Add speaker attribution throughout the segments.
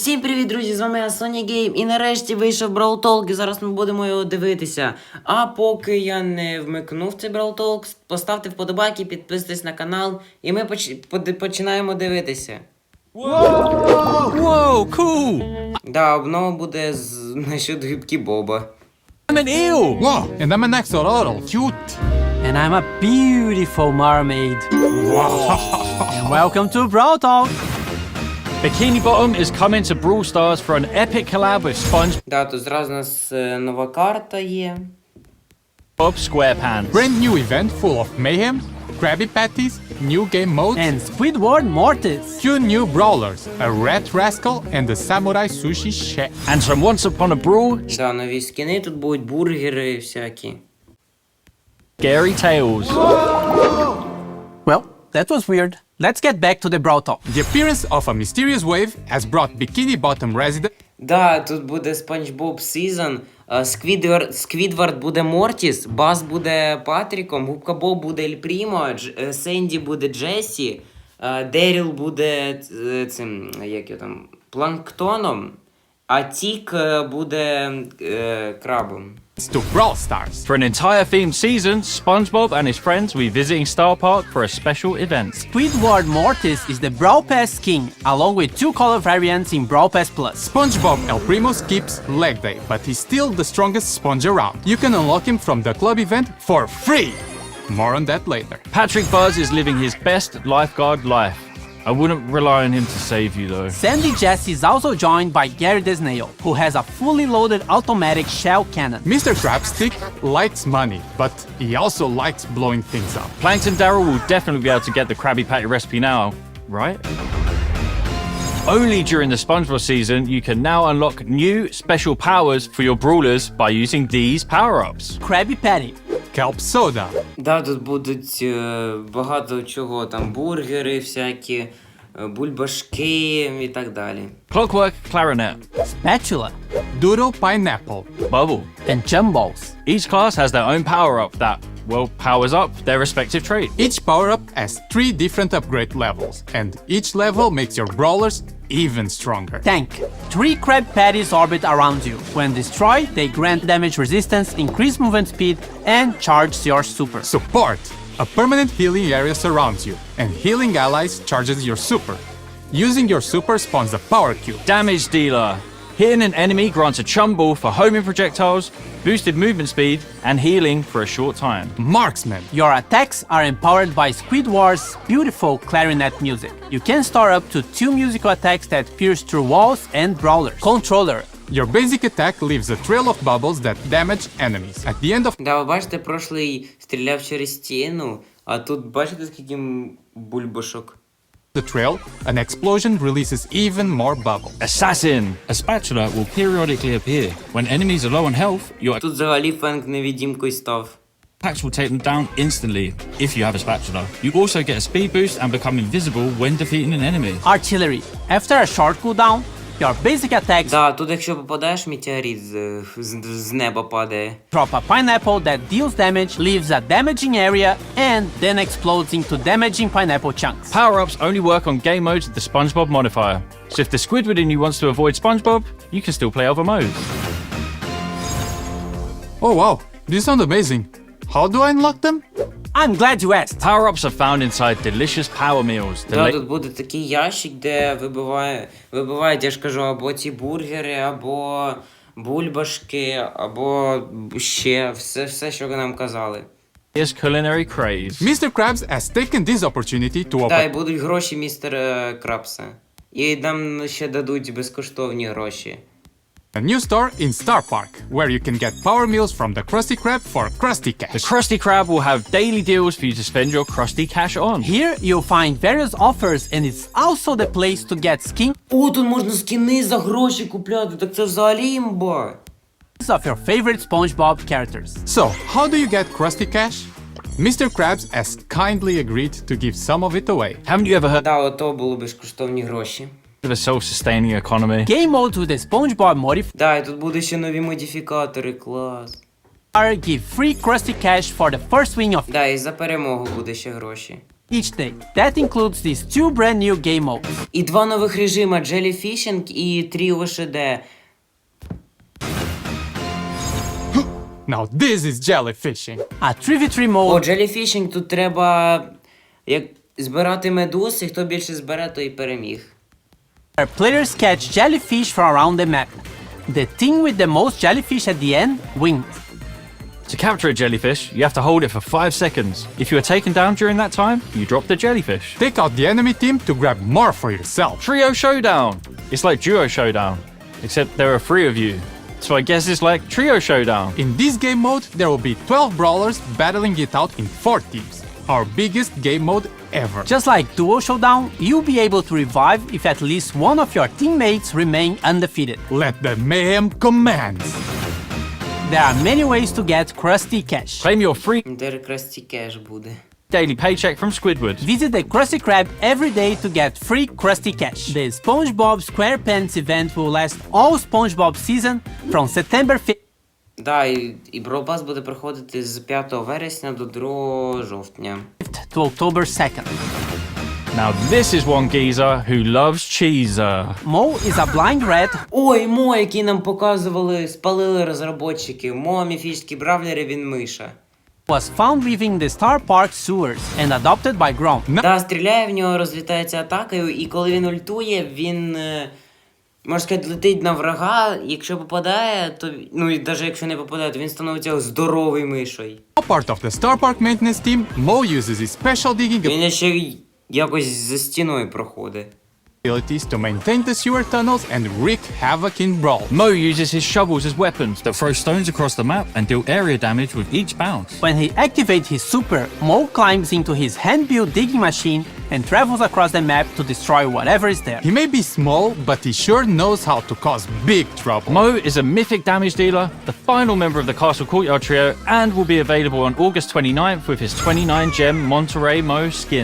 Speaker 1: Всім привіт, друзі! З вами я, Sony Game, і нарешті вийшов Brawl Talk, і зараз ми будемо його дивитися. А поки я не вмикнув цей Brawl Talk, поставте вподобайки, підписуйтесь на канал, і ми починаємо дивитися.
Speaker 2: Whoa, cool!
Speaker 1: Да, обнова буде насчет гибки Боба.
Speaker 2: I'm an eel!
Speaker 3: Whoa, and I'm an axolotl. Cute.
Speaker 4: And I'm a beautiful mermaid. And welcome to Brawl Talk.
Speaker 2: Bikini Bottom is coming to Brawl Stars for an epic collab with SpongeBob
Speaker 1: Да, тут зразу у нас нова карта є.
Speaker 2: SquarePants.
Speaker 3: Brand new event full of mayhem, Krabby Patties, new game modes,
Speaker 4: And Squidward Mortis.
Speaker 3: two new brawlers, a rat rascal and a samurai sushi chef.
Speaker 2: And from Once Upon a Brawl,
Speaker 1: Да, нові скини, тут будуть бургери всякі.
Speaker 2: Scary Tales.
Speaker 4: Well, that was weird. Let's get back to the Brawl Talk.
Speaker 3: The appearance of a mysterious wave has brought Bikini Bottom resident
Speaker 1: Да, тут буде SpongeBob Season, Сквідвард буде Мортіс, Бас буде Патріком, Губка Боб буде Ель Прімо, Сенді буде Джесі, Деріл буде цим, як його там, Планктоном, а Тік буде Крабом.
Speaker 3: to Brawl Stars.
Speaker 2: For an entire themed season, SpongeBob and his friends will be visiting Star Park for a special event.
Speaker 4: Squidward Mortis is the Brawl Pass king, along with two color variants in Brawl Pass Plus.
Speaker 3: SpongeBob El Primo skips leg day, but he's still the strongest sponge around. You can unlock him from the club event for free. More on that later.
Speaker 2: Patrick Buzz is living his best lifeguard life. I wouldn't rely on him to save you though.
Speaker 4: Sandy Jesse is also joined by Gary the Snail, who has a fully loaded automatic shell cannon.
Speaker 3: Mr. Crabstick likes money, but he also likes blowing things up.
Speaker 2: Plankton Daryl will definitely be able to get the Krabby Patty recipe now, right? Only during the SpongeBob season, you can now unlock new special powers for your brawlers by using these power-ups.
Speaker 4: Krabby Patty.
Speaker 3: Kelp Soda.
Speaker 1: Да, тут будуть багато чого, там бургери всякі, бульбашки і так далі.
Speaker 2: Clockwork Clarinet.
Speaker 4: Spatula.
Speaker 3: Doodle Pineapple.
Speaker 2: Bubble.
Speaker 4: And Jumballs.
Speaker 2: Each class has their own power-up that, well, powers up their respective trait.
Speaker 3: Each power-up has 3 different upgrade levels, and each level makes your brawlers even stronger.
Speaker 4: Tank. 3 Krabby Patties orbit around you. When destroyed, they grant damage resistance, increase movement speed, and charge your super.
Speaker 3: Support. A permanent healing area surrounds you, and healing allies charges your super. Using your super spawns a power cube.
Speaker 2: Damage Dealer. Hitting an enemy grants a chum ball for homing projectiles, boosted movement speed, and healing for a short time.
Speaker 3: Marksman.
Speaker 4: Your attacks are empowered by Squidward's beautiful clarinet music. You can store up to 2 musical attacks that pierce through walls and brawlers. Controller.
Speaker 3: Your basic attack leaves a trail of bubbles that damage enemies. At the end of
Speaker 1: Да, ви бачите, прошлий стріляв через стіну, а тут бачите, скільки бульбашок.
Speaker 3: the trail, an explosion releases even more bubbles.
Speaker 2: Assassin.
Speaker 5: A spatula will periodically appear. When enemies are low on health, your
Speaker 1: Тут взагалі Фенк невидимкою став.
Speaker 5: attacks will take them down instantly if you have a spatula. You also get a speed boost and become invisible when defeating an enemy.
Speaker 4: Artillery. After a short cooldown, your basic attacks
Speaker 1: Да, тут якщо попадаєш, метеорит з неба падає.
Speaker 4: drop a pineapple that deals damage, leaves a damaging area, and then explodes into damaging pineapple chunks.
Speaker 2: Power-ups only work on game modes with the SpongeBob modifier. So if the Squidward in you wants to avoid SpongeBob, you can still play other modes.
Speaker 3: Oh wow, these sound amazing. How do I unlock them?
Speaker 4: I'm glad you asked.
Speaker 2: Power-ups are found inside delicious power meals.
Speaker 1: Да, тут буде такий ящик, де вибивають, я ж кажу, або ті бургери, або бульбашки, або ще все, що ви нам казали.
Speaker 2: Latest culinary craze.
Speaker 3: Mr. Krabs has taken this opportunity to
Speaker 1: Та, і
Speaker 3: open
Speaker 1: будуть гроші містера Крабса. І нам ще дадуть безкоштовні гроші.
Speaker 3: a new store in Star Park, where you can get power meals from the Krusty Krab for Krusty
Speaker 2: The
Speaker 3: Cash.
Speaker 2: Krusty Krab will have daily deals for you to spend your Krusty Cash on.
Speaker 4: Here you'll find various offers, and it's also the place to get skins
Speaker 1: О, тут можна скіни за гроші купляти, так це взагалі імба.
Speaker 4: of your favorite SpongeBob characters.
Speaker 3: So, how do you get Krusty Cash? Mr. Krabs has kindly agreed to give some of it away.
Speaker 2: Haven't you ever heard
Speaker 1: Да, ото були безкоштовні гроші.
Speaker 2: of a self-sustaining economy?
Speaker 4: Game modes with the SpongeBob modifier
Speaker 1: Да, і тут буде ще нові модифікатори, клас.
Speaker 4: give free Krusty Cash for the first win of
Speaker 1: Да, і за перемогу буде ще гроші.
Speaker 4: each day. That includes these 2 brand new game modes.
Speaker 1: І 2 нових режима Jellyfishing і Trio ШД.
Speaker 3: Now this is jellyfishing.
Speaker 4: A 3v3
Speaker 1: О,
Speaker 4: mode
Speaker 1: Jellyfishing тут треба як збирати медуз, і хто більше збере, той і переміг.
Speaker 4: where players catch jellyfish from around the map. The team with the most jellyfish at the end wins.
Speaker 2: To capture a jellyfish, you have to hold it for 5 seconds. If you are taken down during that time, you drop the jellyfish.
Speaker 3: Take out the enemy team to grab more for yourself.
Speaker 2: Trio Showdown! It's like Duo Showdown, except there are 3 of you. So I guess it's like Trio Showdown.
Speaker 3: In this game mode, there will be 12 brawlers battling it out in 4 teams. Our biggest game mode ever.
Speaker 4: Just like Duo Showdown, you'll be able to revive if at least one of your teammates remain undefeated.
Speaker 3: Let the mayhem commence.
Speaker 4: There are many ways to get Krusty Cash.
Speaker 2: Claim your free
Speaker 1: Де Красті Кеш буде.
Speaker 2: daily paycheck from Squidward.
Speaker 4: Visit the Krusty Krab every day to get free Krusty Cash. The SpongeBob SquarePants event will last all SpongeBob season from September 5th
Speaker 1: Да, і Brawl Pass буде проходити з 5 вересня до 2 жовтня.
Speaker 4: to October 2nd.
Speaker 2: Now this is one geezer who loves cheeser.
Speaker 4: Mo is a blind rat
Speaker 1: Ой, Мо, який нам показували, спалили розробники. Мо, міфічний бравлер, і він миша.
Speaker 4: who was found leaving the Star Park sewers and adopted by Grom.
Speaker 1: Да, стріляє, в нього розлітається атакою, і коли він ультує, він, можна сказати, летить на врага. Якщо попадає, то, ну і навіть якщо не попадає, то він становиться здоровий мишою.
Speaker 3: Now part of the Star Park maintenance team, Mo uses his special digging
Speaker 1: Він ще й якось за стіною проходить.
Speaker 3: abilities to maintain the sewer tunnels and wreak havoc in Brawl.
Speaker 2: Mo uses his shovels as weapons.
Speaker 5: That throw stones across the map and deal area damage with each bounce.
Speaker 4: When he activates his super, Mo climbs into his hand-built digging machine and travels across the map to destroy whatever is there.
Speaker 3: He may be small, but he sure knows how to cause big trouble.
Speaker 2: Mo is a mythic damage dealer, the final member of the Castle Courtyard trio, and will be available on August 29th with his 29-gem Monterey Mo skin.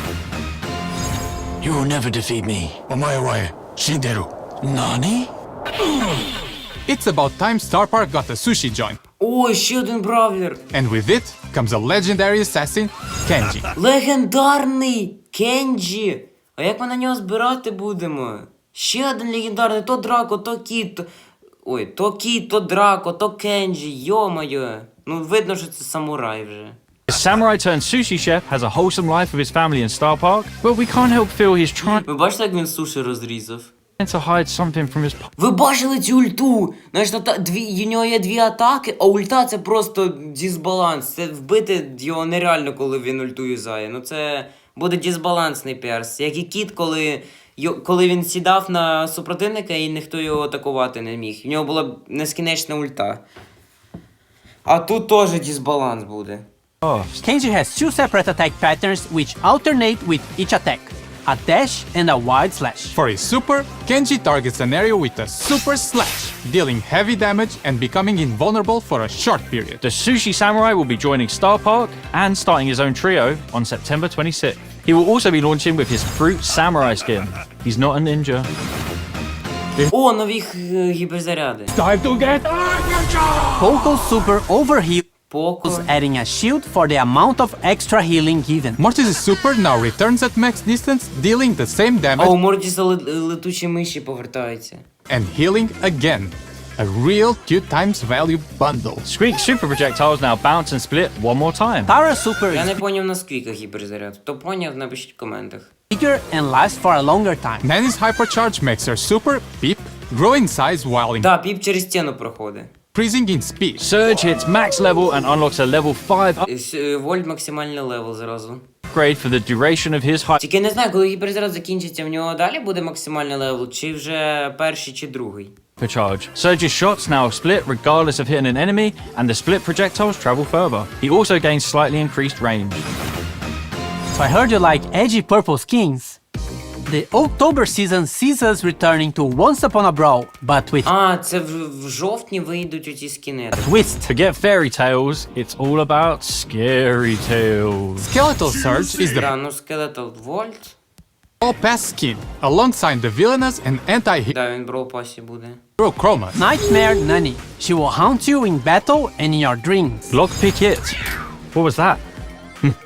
Speaker 6: You will never defeat me. Omae wa shinderu. Nani?
Speaker 3: It's about time Star Park got a sushi joint.
Speaker 1: О, ще один бравлер!
Speaker 3: And with it comes a legendary assassin, Kenji.
Speaker 1: Легендарний Кенджі! А як ми на нього збирати будемо? Ще один легендарний, то Драко, то Кіт, то... Ой, то Кіт, то Драко, то Кенджі, йо-моє. Ну, видно, що це самурай вже.
Speaker 2: This samurai turned sushi chef has a wholesome life with his family in Star Park, but we can't help feel he's trying
Speaker 1: Ви бачите, як він суші розрізав?
Speaker 2: to hide something from his
Speaker 1: Ви бачили цю ульту? Знаєш, у нього є 2 атаки, а ульта це просто дисбаланс. Це вбити його нереально, коли він ульту юзає. Ну це буде дисбалансний перс. Як і Кіт, коли він сідав на супротивника і ніхто його атакувати не міг. У нього була нескінченна ульта. А тут теж дисбаланс буде.
Speaker 4: Kenji has 2 separate attack patterns which alternate with each attack, a dash and a wide slash.
Speaker 3: For his super, Kenji targets an area with a super slash, dealing heavy damage and becoming invulnerable for a short period.
Speaker 2: The Sushi Samurai will be joining Star Park and starting his own trio on September 26th. He will also be launching with his Fruit Samurai skin. He's not a ninja.
Speaker 1: О, нові гіперзаряди.
Speaker 4: Poco's super overheals,
Speaker 1: Поко.
Speaker 4: adding a shield for the amount of extra healing given.
Speaker 3: Mortis' super now returns at max distance, dealing the same
Speaker 1: А
Speaker 3: damage
Speaker 1: у Мортіса летучі миші повертаються.
Speaker 3: and healing again. A real 2 times value bundle.
Speaker 2: Squeak's super projectiles now bounce and split one more time.
Speaker 4: Tara's super
Speaker 1: Я
Speaker 4: is
Speaker 1: не поняв на скільки гіперзаряд. Хто поняв, напишіть в коментах.
Speaker 4: bigger and lasts for a longer time.
Speaker 3: Nanny's hypercharge makes her super, Peep, grow in size while
Speaker 1: Да, Піп через стіну проходить.
Speaker 3: increasing in speed.
Speaker 2: Surge hits max level and unlocks a level 5
Speaker 1: Вольт максимальний левел зразу.
Speaker 2: upgrade for the duration of his high.
Speaker 1: Тільки не знаю, коли гіперзаряд закінчиться, в нього далі буде максимальний левел, чи вже перший, чи другий.
Speaker 2: Charge. Surge's shots now split regardless of hitting an enemy, and the split projectiles travel further. He also gains slightly increased range.
Speaker 4: So I heard you like edgy purple skins. The October season sees us returning to Once Upon a Brawl, but with
Speaker 1: А, це в жовтні вийдуть оті скіни.
Speaker 4: twist.
Speaker 2: Forget fairy tales, it's all about scary tales.
Speaker 3: Skeletal Surge is the
Speaker 1: Да, ну Скелетал Вольт.
Speaker 3: all pass skin, alongside the villainous and anti-hero
Speaker 1: Да, він в Brawl Pass'і буде.
Speaker 3: Chroma.
Speaker 4: Nightmare Nanny. She will haunt you in battle and in your dreams.
Speaker 2: Lockpick it. What was that?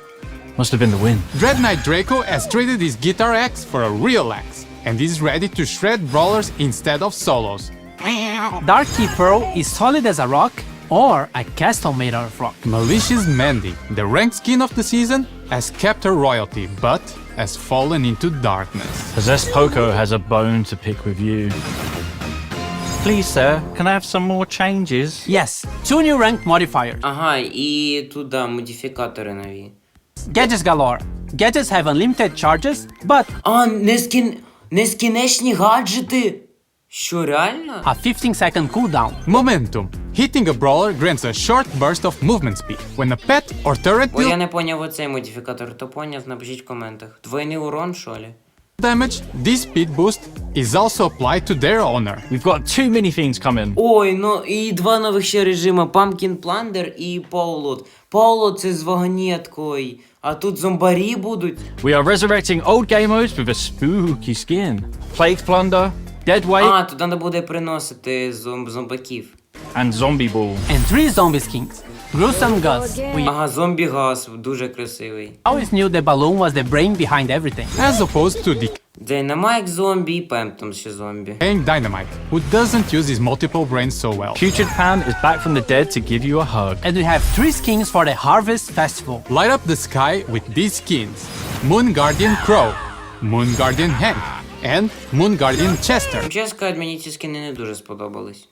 Speaker 2: Must have been the wind.
Speaker 3: Dread Knight Draco has traded his guitar axe for a real axe, and is ready to shred brawlers instead of solos.
Speaker 4: Dark Key Pearl is solid as a rock or a castle made out of rock.
Speaker 3: Malicious Mandy, the ranked skin of the season, has kept her royalty, but has fallen into darkness.
Speaker 2: Possessed Poco has a bone to pick with you. Please, sir, can I have some more changes?
Speaker 4: Yes, 2 new rank modifiers.
Speaker 1: Ага, і туди модифікатори нові.
Speaker 4: Gadgets galore. Gadgets have unlimited charges, but
Speaker 1: А, нескінченні гаджети! Що, реально?
Speaker 4: a 15-second cooldown.
Speaker 3: Momentum. Hitting a brawler grants a short burst of movement speed. When a pet or turret
Speaker 1: О, я
Speaker 3: deals
Speaker 1: не поняв оцей модифікатор, то поняв, напишіть в коментах. Двойний урон, що ли?
Speaker 3: damage, this speed boost is also applied to their owner.
Speaker 2: We've got too many things coming.
Speaker 1: Ой, ну і два нових ще режима: Pumpkin Plunder і Paulot. Paulot це з вагонеткою, а тут зомбарі будуть.
Speaker 2: We are resurrecting old game modes with a spooky skin. Plague Plunder, Dead Weight,
Speaker 1: А, тут треба буде приносити зомбаків.
Speaker 2: and Zombie Ball.
Speaker 4: And 3 zombie skins. Gruesome Gus. We
Speaker 1: Ага, зомбі-газ, дуже красивий.
Speaker 4: always knew the balloon was the brain behind everything.
Speaker 3: As opposed to
Speaker 1: Dynamite зомбі і Пемптом ще зомбі.
Speaker 3: decaying Dynamite, who doesn't use his multiple brains so well.
Speaker 2: Putrid Pan is back from the dead to give you a hug.
Speaker 4: And we have 3 skins for the Harvest Festival.
Speaker 3: Light up the sky with these skins: Moon Guardian Crow, Moon Guardian Hank, and Moon Guardian Chester.
Speaker 1: Чесно сказати, мені ці скини не дуже сподобались.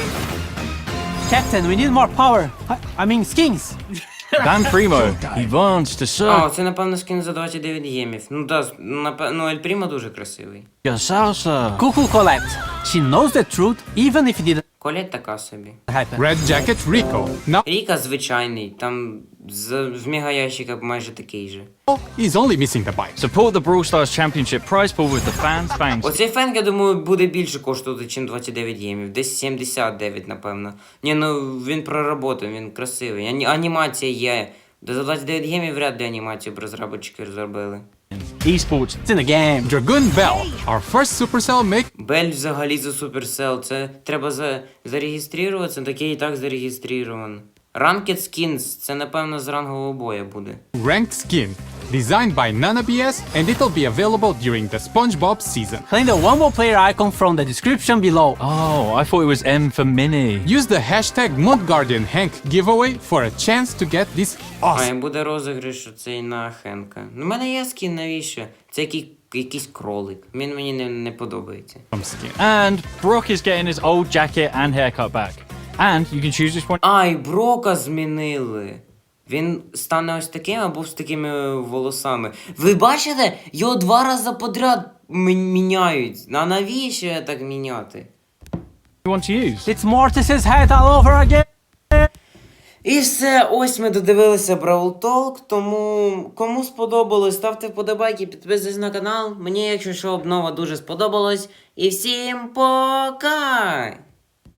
Speaker 4: Captain, we need more power. I mean skins.
Speaker 2: Dan Primo, he wants to
Speaker 1: А,
Speaker 2: suck
Speaker 1: це, напевно, скин за 29 гемів. Ну да, ну Ель Прімо дуже красивий.
Speaker 2: your salsa.
Speaker 4: Cuckoo Colette. She knows the truth even if it didn't
Speaker 1: Колять така собі.
Speaker 4: happen.
Speaker 3: Red Jacket Rico, now
Speaker 1: Ріка звичайний, там в мегаящика майже такий же.
Speaker 3: he's only missing the bite.
Speaker 2: Support the Brawl Stars Championship prize pool with the fans bangs.
Speaker 1: Оцей фенк, я думаю, буде більше коштувати, ніж 29 гемів. Десь 79, напевно. Ні, ну він проработаний, він красивий. Анімація є. За 29 гемів вряд ли анімацію б розробники зробили.
Speaker 2: Esports.
Speaker 4: It's in the game.
Speaker 3: Dragoon Bell, our first Supercell make
Speaker 1: Бель взагалі за Supercell. Це треба зареєструватися, такий і так зареєстрований. Ranked Skins, це напевно з рангового бою буде.
Speaker 3: ranked skin, designed by NanaBS, and it'll be available during the SpongeBob season.
Speaker 4: Claim the one more player icon from the description below.
Speaker 2: Oh, I thought it was M for Mini.
Speaker 3: Use the hashtag MoonGuardianHank giveaway for a chance to get this
Speaker 1: А, і
Speaker 3: awesome.
Speaker 1: буде розіграш оцей на Хенка. Ну, в мене є скін, навіщо? Це якийсь кролик. Він мені не подобається.
Speaker 3: Skin.
Speaker 2: And Brock is getting his old jacket and haircut back. And you can choose which one.
Speaker 1: А, і Брока змінили. Він стане ось таким або з такими волосами. Ви бачите? Його 2 рази подряд міняють. А навіщо я так міняти?
Speaker 2: You want to use.
Speaker 4: It's Mortis's head all over again.
Speaker 1: І все, ось ми додивилися Brawl Talk, тому кому сподобалось, ставте вподобайки, підписуйтесь на канал. Мені, якщо що, обнова дуже сподобалась. І всім пока!